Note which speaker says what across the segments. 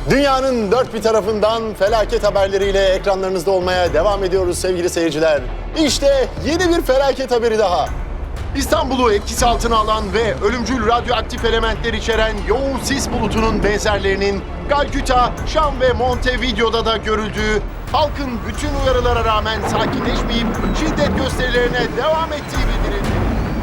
Speaker 1: Dünyanın dört bir tarafından felaket haberleriyle ekranlarınızda olmaya devam ediyoruz sevgili seyirciler. İşte yeni bir felaket haberi daha. İstanbul'u etkisi altına alan ve ölümcül radyoaktif elementler içeren yoğun sis bulutunun benzerlerinin Calcutta, Şam ve Montevideo'da da görüldüğü, halkın bütün uyarılara rağmen sakinleşmeyip şiddet gösterilerine devam ettiği bildirildi.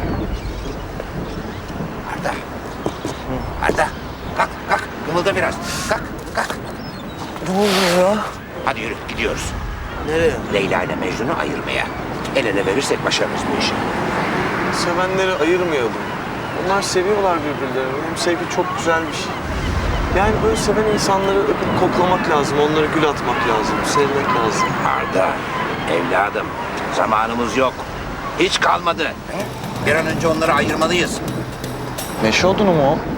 Speaker 2: Arda, kalk, kımılda biraz. Kalk.
Speaker 3: Ne oluyor ya?
Speaker 2: Hadi yürü, gidiyoruz.
Speaker 3: Nereye?
Speaker 2: Leyla ile Mecnun'u ayırmaya. El ele verirsek başarırız bu işi.
Speaker 3: Sevenleri ayırmayalım. Onlar seviyorlar birbirlerini. Hem sevgi çok güzel bir şey. Yani böyle seven insanları öpüp koklamak lazım. Onlara gül atmak lazım. Sevmek lazım.
Speaker 2: Arda, evladım, zamanımız yok. Hiç kalmadı. Bir an önce onları ayırmalıyız.
Speaker 3: Meşe odunu mu o?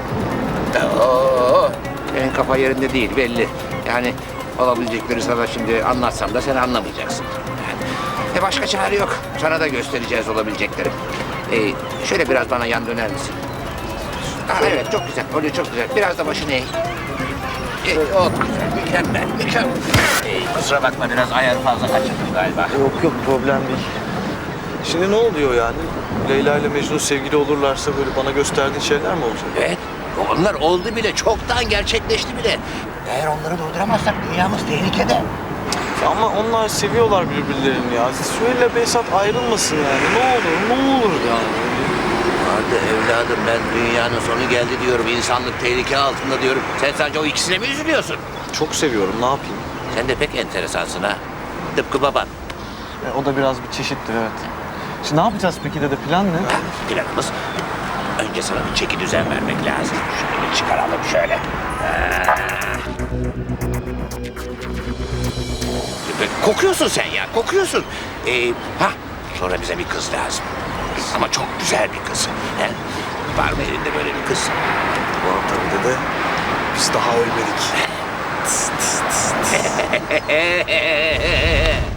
Speaker 2: Senin kafa yerinde değil belli. Yani olabilecekleri sana şimdi anlatsam da sen anlamayacaksın. Başka çare yok. Sana da göstereceğiz olabilecekleri. Şöyle biraz bana yan döner misin? Evet, çok güzel. Oluyor, çok güzel. Biraz da başını eğ. Oldu güzel. Mükemmel. Kusura bakma, biraz ayarı fazla kaçırdım galiba.
Speaker 3: Yok problem değil. Şimdi ne oluyor yani? Leyla ile Mecnun sevgili olurlarsa böyle bana gösterdiğin şeyler mi olacak?
Speaker 2: Evet, onlar oldu bile. Çoktan gerçekleşti bile. Eğer onları durduramazsak dünyamız tehlikede.
Speaker 3: Ama onlar seviyorlar birbirlerini ya. Söyle Behzat ayrılmasın yani. Ne olur ya.
Speaker 2: Arda evladım, ben dünyanın sonu geldi diyorum. İnsanlık tehlike altında diyorum. Sen sadece o ikisine mi üzülüyorsun?
Speaker 3: Çok seviyorum, ne yapayım?
Speaker 2: Sen de pek enteresansın ha. Tıpkı baban.
Speaker 3: O da biraz bir çeşittir, evet. Şimdi ne yapacağız peki dede, plan ne?
Speaker 2: Planımız, önce sana bir çeki düzen vermek lazım. Şunu bir çıkaralım şöyle. Kokuyorsun sen ya, kokuyorsun. Sonra bize bir kız lazım. Ama çok güzel bir kız. He? Var mı elinde böyle bir kız?
Speaker 3: Var tabii dede. Biz daha ölmedik.